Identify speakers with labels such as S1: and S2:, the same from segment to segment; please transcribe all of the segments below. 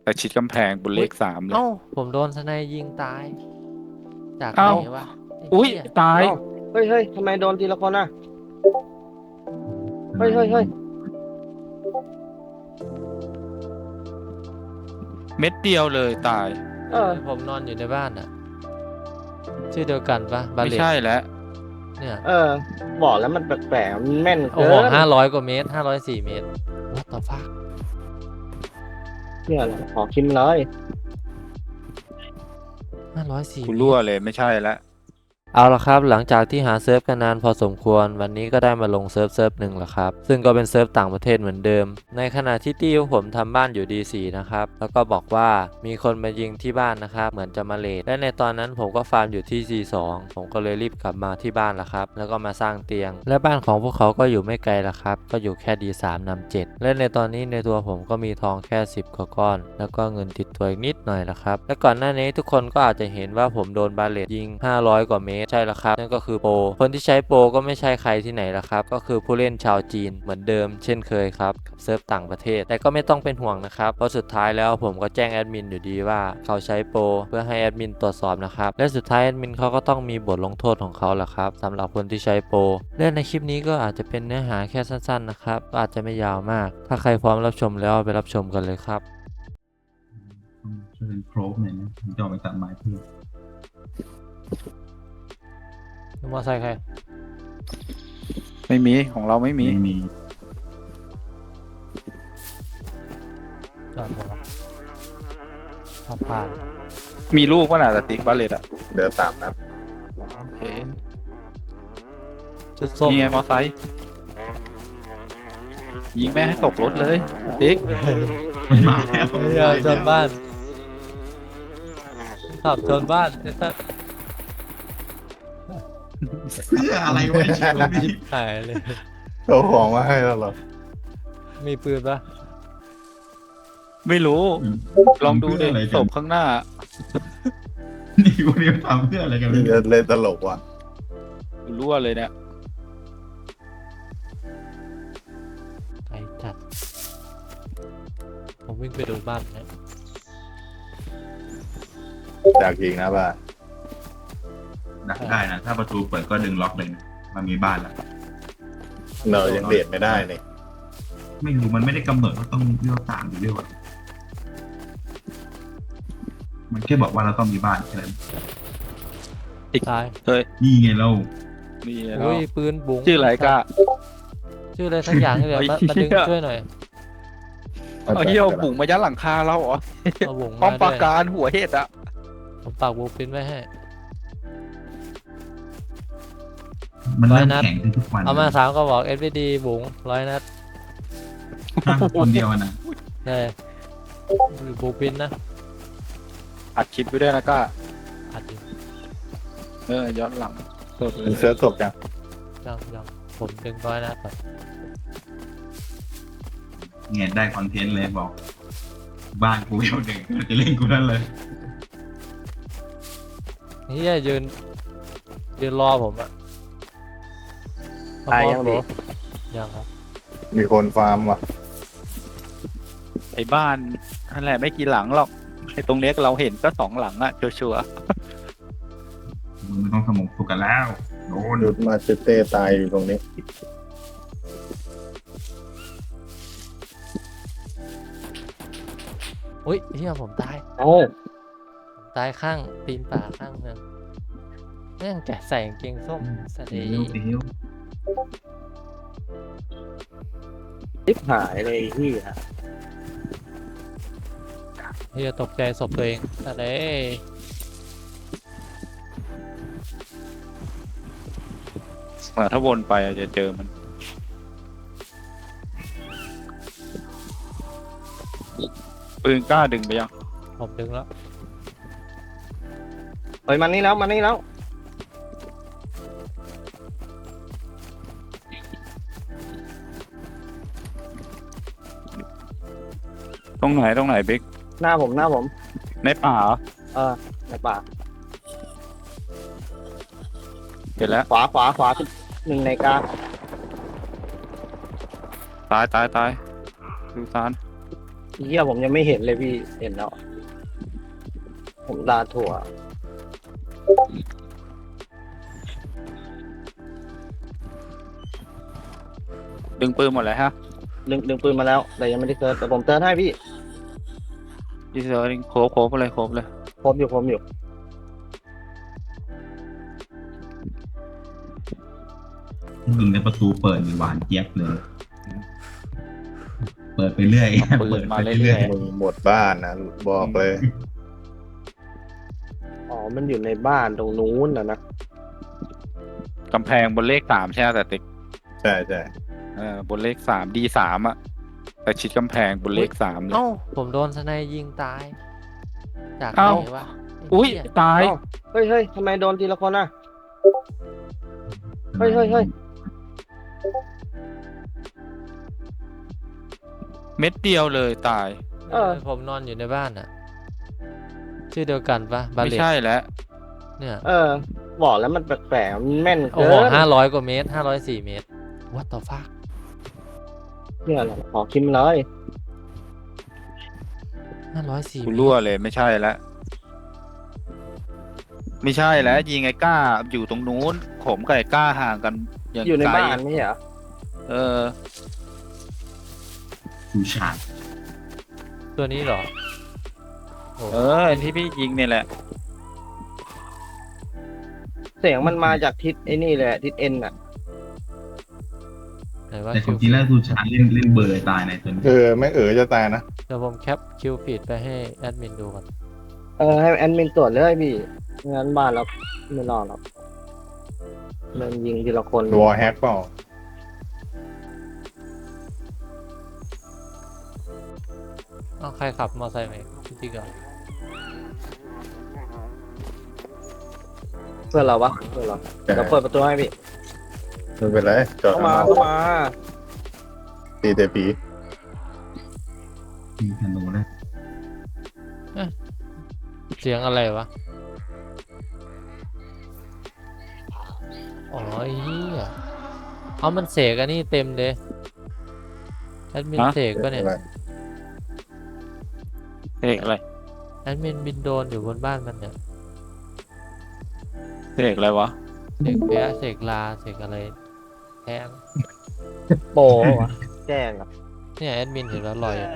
S1: แต่ชิดกำแพงบนเล
S2: อุ้ย
S1: ขสามเลย
S2: เอ้าผมโดนสไนยิงตายจากไหน
S1: เอ้า
S2: วะไอ้
S1: อุ้ย
S2: เหี้ย
S1: ตาย
S3: เอ้าเฮ้ยเฮ้ยทำไมโดนทีละคนอ่ะเฮ้ยเฮ้ยเฮ้ย
S1: เม็ดเดียวเลยตาย
S3: เออ
S2: ผมนอนอยู่ในบ้านอ่ะชื่อเดียวกันปะบา
S1: ไม่
S2: เลต
S1: ใช่แล้ว
S2: เนี่ย
S3: เออบอกแล้วมันแปลกๆมันแม่น
S2: โอ้
S3: เกิ
S2: โห
S3: น
S2: 500 กว่าเมตร504 เมตร What the fuck
S3: เนี่ยแหละขอคิมเลย
S2: 504
S1: กู
S2: เมตร
S1: รั่วเลยไม่ใช่แล้ว
S2: เอาละครับหลังจากที่หาเซิร์ฟกันนานพอสมควรวันนี้ก็ได้มาลงเซิร์ฟหนึ่งแล้วครับซึ่งก็เป็นเซิร์ฟต่างประเทศเหมือนเดิมในขณะที่ตี้ของผมทำบ้านอยู่ D4 นะครับแล้วก็บอกว่ามีคนมายิงที่บ้านนะครับเหมือนจะมาเลทและในตอนนั้นผมก็ฟาร์มอยู่ที่ C2 ผมก็เลยรีบกลับมาที่บ้านแล้วครับแล้วก็มาสร้างเตียงและบ้านของพวกเขาก็อยู่ไม่ไกลละครับก็อยู่แค่ D3 นำ7และในตอนนี้ในตัวผมก็มีทองแค่10กว่าก้อนแล้วก็เงินติดตัวอีกนิดหน่อยละครับและก่อนหน้านี้ทุกคนก็อาจจะเห็นว่าผมโดนบาเลตยิง500 กว่าเมตรใช่แล้วครับนั่นก็คือโปรคนที่ใช้โปรก็ไม่ใช่ใครที่ไหนละครับก็คือผู้เล่นชาวจีนเหมือนเดิมเช่นเคยครับกับเซิร์ฟต่างประเทศแต่ก็ไม่ต้องเป็นห่วงนะครับเพราะสุดท้ายแล้วผมก็แจ้งแอดมินอยู่ดีว่าเขาใช้โปรเพื่อให้แอดมินตรวจสอบนะครับและสุดท้ายแอดมินเขาก็ต้องมีบทลงโทษของเขาแหละครับสำหรับคนที่ใช้โปรและในคลิปนี้ก็อาจจะเป็นเนื้อหาแค่สั้นๆนะครับก็อาจจะไม่ยาวมาก ถ้าใครพร้อมรับชมแล้วไปรับชมกันเลยครับ
S4: ช่วยเป็นโครบหน่อยนะผมจะเอาไปตัดไม้เพื่อ
S2: มอไซค์ใคร
S1: ไม่มีของเราไม่มี
S4: ไม่มี
S2: จอดหมดแล้วขับผ่าน
S1: มีลูกป่ะน่ะสติ๊กบาเลตอ่ะ
S5: เดือสามนัด
S1: โอเค
S2: จุดส้ม
S1: นี่ไงมอไซค์ยิงแม่ให้ตกรถเลยติ๊ก
S4: มันมาแล้ว
S2: เรือชนบ้านขับชนบ้านไอ้สัส
S4: เพื่ออะไรวะชีวิตนี้
S2: หายเลย
S5: เอาของมาให้แล้วเหรอ
S2: มีปืนปะ
S1: ไม่รู้ลองดูดิ
S4: เพื่ะไร
S1: ศ
S4: กัน
S1: พข้างหน้า
S4: นี่วันนี้ทำเพื่ออะไรกัน
S5: นี่จะเล่นตลกว่ะ
S1: กูรั่วเลยเนี่ย
S2: ไอ้จัดผมวิ่งไปดูบ้านนะ
S5: จากยิงนะบ้า
S4: ดักได้นะ ถ้าประตูเปิดก็ดึงล็อกเลยนะมันมีบ้านแล้ว
S5: เรายังเดทไม่ได้นี่
S4: ไม่รู้มันไม่ได้กำหนดว่าต้องเลือกต่างหรือเลือกอะไรมันแค่บอกว่าเราต้องมีบ้านแค่นั้น
S2: ตาย
S1: เฮ้ย
S4: นี่ไงเรา
S1: นี่
S2: อุ้ยปืนบุ๋ง
S1: ชื่ออะไรก้า
S2: ชื่ออะไรสักอย่างนี่แหละมา
S1: ไอ้
S2: มา
S1: เหี้
S2: ดึ
S1: ย
S2: งช่วยหน่อย
S1: เอาเหี้ยเอาบุ๋งมายัดหลังคาเราเหรอ
S2: เอาบุ๋ง
S1: ป้อ
S2: มาม
S1: ป
S2: ด้
S1: รา
S2: วย
S1: การหัวเห็ดอ่ะ
S2: ผมปากบูปินไว้ให้
S4: มันเริ่ม
S2: ร้อยนัด
S4: แข็งขึ้นทุกวัน
S2: เอามา3ก็บอก SVD บุ๋ง100 นัด
S4: ถ้าคนเดียวอะนะ
S2: ได้บูปินนะ
S1: อัดคลิปไว้ด้วยนะก้า
S2: อัดอยู่
S1: ย้อนหลังโทษเล
S5: มัน
S1: ย
S5: เสื้อศพยัง
S2: ยังผมดึง100 นัดก่อน
S4: เนี่ยได้คอนเทนต์เลยบอก บ้านกูเวลหนึ่งจะเล่นกูนั่นเลย
S2: เฮียยืนรอผมอะ
S3: ตายยังดิ
S2: ยังครับ
S5: มีคนฟาร์มว่ะ
S1: ไอ้บ้านนั่นแหละไม่กี่หลังหรอกไอ้ตรงเนี้ยเราเห็นก็2 หลังอ่ะชัวร์
S4: มึงไม่ต้องสมองสุกกันแล้วโดน
S5: หยุดมาเตเต้ตายอยู่ตรงนี้
S2: อุ้ยเฮียผมตาย
S3: โอ้
S2: ผมตายข้างตีนป่าข้างหนึงแม่งแกะใส่กางเกงส้มสะเด
S4: เดี๋ยวเดี๋ยว
S3: ทิพหายเลยไอ้ที่ฮะ
S2: เฮียตกใจศพตัวเองสะเด
S1: ถ้าวนไปอะจะเจอมันปืนกล้าดึงไปยัง
S2: ผมดึงแล้ว
S3: เฮ้ยมันนี่แล้วมันนี่แล้ว
S1: ตรงไหนบิ๊ก
S3: หน้าผมหน้าผม
S1: ในป่าเหรอ
S3: ในป่า
S1: เห็นแล้ว
S3: ขวาหนึ่งในกลาง
S1: ตายดูซาน
S3: เหี้ยผมยังไม่เห็นเลยพี่เห็นแล้วผมลาถั่ว
S1: ดึงปืนหมดเลยฮะ
S3: ดึงปืนมาแล้วแต่ยังไม่ได้เซิร์ชแต่ผมเซิร์ชให้พี่
S1: ดีเซอร์โคบเลยโคบเลย
S3: ครบอยู่
S4: ยิงในประตูเปิดหวานเจี๊ยบเลย เปิดไปเรื่อย
S1: เอาปืนมาเรื่อย
S5: มึงหมดบ้านนะบอกเลย
S3: อ๋อมันอยู่ในบ้านตรงนู้นนะ
S1: กำแพงบนเลข 3ใช่ไหมแต่ติ๊ก
S5: ใช่ใช่
S1: บนเลข 3 D3 อ่ะแต่ชิดกำแพงบนเลข 3เลย
S2: เอ้าผมโดนสไนยิงตาย จากไห
S1: เอ้า
S2: นวะไ
S1: อุ้ย
S2: เหี้
S1: ตาย
S3: เฮ้ยทำไมโดนทีละคนอ่ะ เฮ้ย
S1: เม็ดเดียวเลยตาย
S3: เออ
S2: ผมนอนอยู่ในบ้านอ่ะ ชื่อเดียวกันปะบา
S1: ไม่
S2: เลต
S1: ใช่แล้ว
S2: เนี่ย
S3: บอกแล้วมันแปลกๆมันแม่น
S2: โอ้
S3: เกิ
S2: โห
S3: น
S2: 500 กว่าเมตร 504 เมตร what the fuck
S3: เนี่ยแหละขอคิมเลย
S2: 504
S1: กู
S2: เม
S1: รั่ว
S2: ตร
S1: เลยไม่ใช่แล้วไม่ใช่แล้วยิงไอ้ก้าอยู่ตรงนู้นผมกับไอ้ก้าห่างกันอย่าง
S3: อยู่ใน
S1: ไกล
S3: บ้านไม่ใช่เหรอ
S1: เออ
S4: ชูชาด
S2: ตัวนี้เหรอโอ้
S1: ที่พี่ยิงเนี่ยแหละ
S3: เสียงมันมาจากทิศไอ้นี่เลยทิศเอ็นอ่ะ
S2: ไหนว่า
S4: แต่
S2: คิ
S4: ขอ
S2: ว
S4: งจริงแล้วชูชาดเล่นเบอร์ตายในตัวนี้
S5: ไม่จะตายนะ
S2: เดี๋ยวผมแคปคิวฟีดไปให้แอดมินดูก่อน
S3: ให้แอดมินตรวจเลยพี่งั้นบ้านเราไม่รอดหรอกมันยิงทีละคน
S5: วอแฮกเปล่า
S2: เอ้าใครขับมอเตอร์ไซค์มาจริงเหรอ
S3: เพื่อนเราปะเพื่อนเราเดี๋ยวเปิดประตูให้พี่
S5: ไม่เป็นไรจอด
S3: เข้า
S5: ข้าง
S3: มาน
S5: อก
S3: เข้ามา
S5: ตีแต่ผี
S4: ยิงธนูเลย
S2: เสียงอะไรวะ อ๋อไอ้เหี้ยเอามันเสกอันนี้เต็มเลยแอดมิน
S1: ฮะ
S2: เสกก็เนี่ย
S1: เอกอะไร
S2: แอดมินบินโดรนอยู่บนบ้านมันเนี่ย
S1: เอกอะไรวะ
S2: เสกแพ้เสกลาเสกอะไรแทง
S3: โปวะแจ้งอ่ะ
S2: เนี่ยแอดมินเห็นแล้วลอยอะ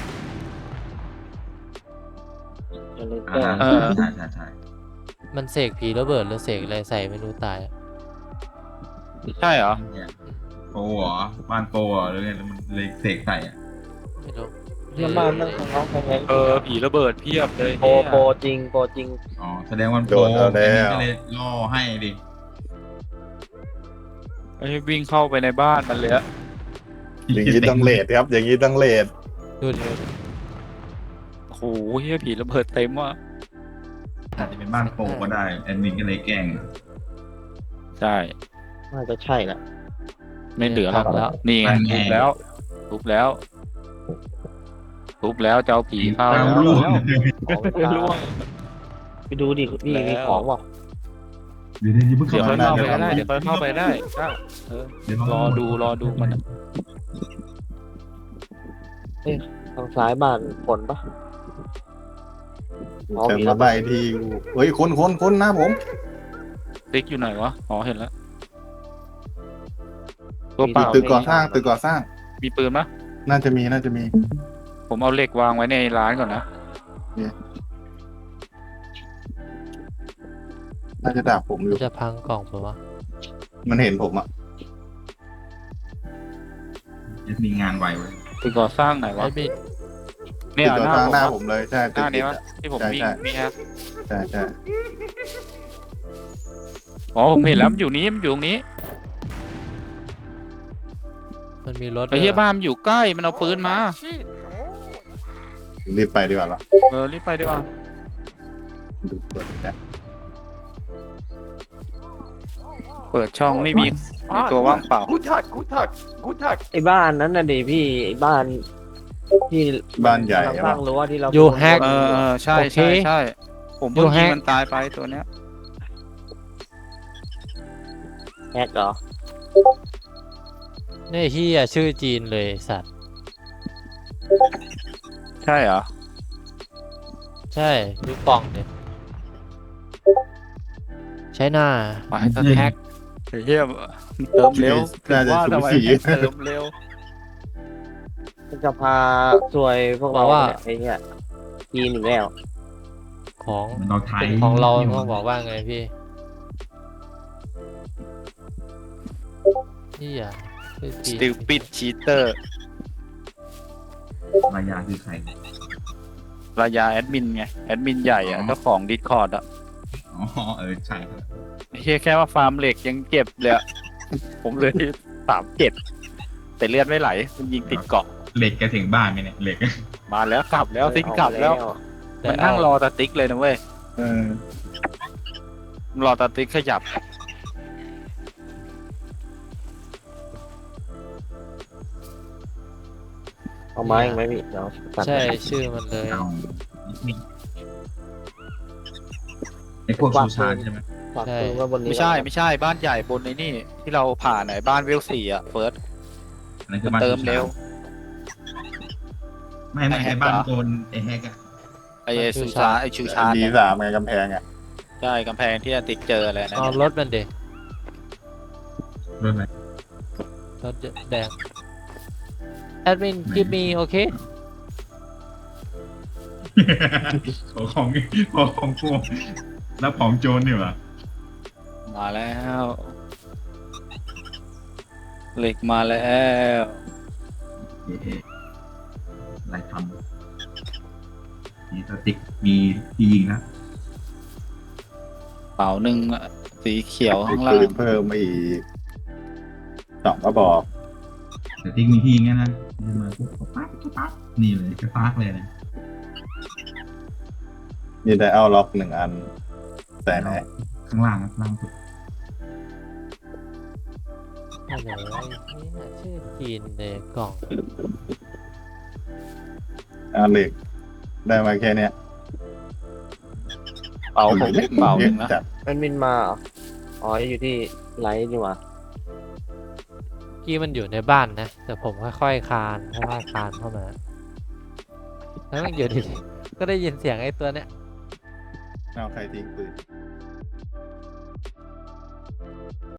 S3: จะเลยแจ้ง
S1: เออ
S4: ใช่
S2: มันเสกผีระเบิดหรือเสกอะไรใส่ไม่รู้ตายอะ
S1: ใช่เหรอ
S4: เนี่ยโปรเหรอบ้านโปรเหรอหรือไงแล้วมันเลยเสกใส่อ่ะ
S2: ไม่รู้
S3: เพื่อนบ้านนั่งของเขาใครไง
S1: ผีระเบิดเพียบเลย
S3: โปจริงโปจริง
S4: อ๋อแสดงว่าโปรก็เลยล่อให้ดิ
S1: ไอ้วิ่งเข้าไปในบ้านมันเลยอะ
S5: อย่างนี้ต้องเลทครับ อย่างนี้ต้องเลท
S2: ดูดิ
S1: โอ้โหเฮียผีระเบิดเต็มว่ะ
S4: อาจจะเป็นบ้านโปรก็ได้แอดมินก็เลยแกล้ง
S1: ใช่
S3: น่าจะใช่แหละ
S1: ไม่เหลือหรอก
S2: แล้ว
S1: นี่ไงทุบแล้วทุบแล้วทุบแล้วเจ้าผีเข้า
S4: แล้
S1: แล้ว ว
S4: ล่วง
S3: ของมันตาย
S1: ล่วง
S3: ไปดูดิพี่
S1: แล้ว
S3: มีของบอก
S4: เดี๋ยวเพิ่ง
S1: เดี๋ยว
S4: เข้า
S1: ค่อย
S4: มา
S1: เข้าไปก็ได้เดี๋ยวค่อยเข้าไปได้ก็
S4: เดี๋ยว
S1: รอดูมันอะ
S3: ทางซ้ายบ้านฝนปะอ๋อ
S5: จะ
S3: มี
S5: มา
S3: ระ
S5: ใบ
S3: เบิด
S5: ทีเฮ้ยคนหน้าผม
S1: ติ๊กอยู่ไหนวะอ๋อเห็นแล้วตัวเปล่า
S5: ตึกก่อสร้าง
S1: มีปืนปะ
S5: น่าจะมี
S1: ผมเอาเหล็กวางไว้ในร้านก่อนนะ
S5: น่าจะด่าผมอยู่
S2: จะพังกล่องปะวะ
S5: มันเห็นผมอ่ะ
S4: มีงานไวเว้ย
S1: ตึกก่อสร้างไหน
S2: แอ
S1: วะ
S2: ดมิน
S1: เนี่ย
S5: ตึกก่อ
S1: หน้า
S5: สร้าง
S1: ผม
S5: หน้า
S1: อะ
S5: ผมเลยใช่
S1: หน้านี้
S5: ติด
S1: วะที่ผมวิ่ง
S5: ใช่
S1: นี่ฮะ
S5: ใช่
S1: อ๋อผมเห็นแล้วมันอยู่นี้มันอยู่ตรงนี้
S2: มันมีรถ
S1: ไอ้เฮีย
S2: ด้วย
S1: บ้านมันอยู่ใกล้มันเอาปืนมา
S5: รีบไปดีกว่าเหรอ
S1: รีบไปดีกว่า
S5: ดูเปิดนะ
S1: เปิดช่องไม่มีตัวว่างเปล่า
S3: ไอ้บ้านนั้นน่ะดิพี่ไอ้บ้านที่
S5: บ้านใหญ่
S3: สร้างรั้วที่เรา
S2: อยู่แฮก
S1: ใช่
S2: โอเค
S1: ใช่ผมเพิ่ง
S2: อยู่แฮ
S1: ยิง
S2: ก
S1: มันตายไปตัวเนี้ย
S3: แฮกเหรอ
S2: นี่เฮียชื่อจีนเลยสัตว์
S1: ใช่เหรอ
S2: ใช่ดูกล่องเนี่ยใช้หน้า
S1: มาให้สแท็กไอ้เหี้ยเติมเร็ว
S5: น่าจะ
S1: ว่า
S5: สู
S1: ทำไม
S5: สี
S1: ให้เติมเร็ว
S3: มันจะพาซวยพวกเราเนี่ยไอ้เนี่ยทีหนึ่งแล้ว
S2: ของ
S4: มันเราไทย
S2: เป็นของเราต้องบอกว่าไงพี่นี่อ่ะคือ
S1: ส
S2: จีน
S1: ติลปิดชีเตอร์
S4: รายาคือใคร
S1: รายาแอดมินไงแอดมินใหญ่อะเจ้าของดิสคอร์ดอะ
S4: อ๋อใช่ครับ
S1: ไอ้เหี้ยแค่ว่าฟาร์มเหล็กยังเก็บเลยอะผมเลย37แต่เลือดไม่ไหลมันยิงติดเกาะ
S4: เหล็กแกถึงบ้านไหมเนี่ยเหล็ก
S1: มาแล้วกลับแล้วทิ้งกลับแล้ว มันนั่งรอตาติ๊กเลยนะเว้ย
S5: เออ
S1: รอตาติ๊กขยับ
S3: เอาไม้ยังไหมพี่เดี๋ยวตัด
S2: ใช่ชื่อมันเลย
S4: เอาไอพวกซูซานใช่ไหม
S3: ฝากปืนไว้บนนี้
S1: ไม่ใช่บ้านใหญ่บนในนี่ที่เราผ่านไหนบ้านเวล4อะเฟิร์ส
S4: อันนั้นคือบ้าน
S1: เติมเร็ว
S4: ไม่
S1: ไอ้แฮ
S4: ไอก บ้านโดนไอแฮกอะ
S1: ไอ้ชูชาไอ้ชูชา
S5: ดี
S1: เนี่ย
S5: สามไงกำแพงอ่ะ
S1: ใช่กำแพงที่ตาติ๊กเจออะไรนะ
S2: เอารถมันเด็
S4: โดนอะไร
S2: รถแดงแอดมินกิฟมีโอเค
S4: ขอของกูแล้วของโจรนี่หว่า
S1: มาแล้วเหล็กมาแล้ว
S4: เอ๊ะอะไรทำนี่สติ๊กมีที่ยิงนะ
S1: เป๋าหนึ่งอะสีเขียว
S5: ติด
S1: ข้างล่า
S5: ปื
S1: ง
S5: นเพิ่มมาอีก2 กระบอก
S4: สติ๊กมีที่ยิงนะนี่มาปุ๊บปั๊บนี่เลยกระปากเลยนะ
S5: มีได้เอาล็อก1 อัน แต่ไหน
S4: ข้างล่างนะล่างสุด
S2: อะไรวะนี่น่ะชื่อจีนเลยกล่อง
S5: เอาเหล็ก ได้มาแค่เนี้ย
S1: เป๋าผมเป๋าหนึ่งนะ
S5: จัด
S3: แอดมินมาเหรออ๋ออยู่ที่ไลท์นี่หว่า
S2: กี้มันอยู่ในบ้านนะ แต่ผมค่อยๆคลานเข้ามาแล้วมันอยู่ดีๆก็ได้ยินเสียงไอ้ตัวเนี้ย
S5: เอาใครทิ้งปืน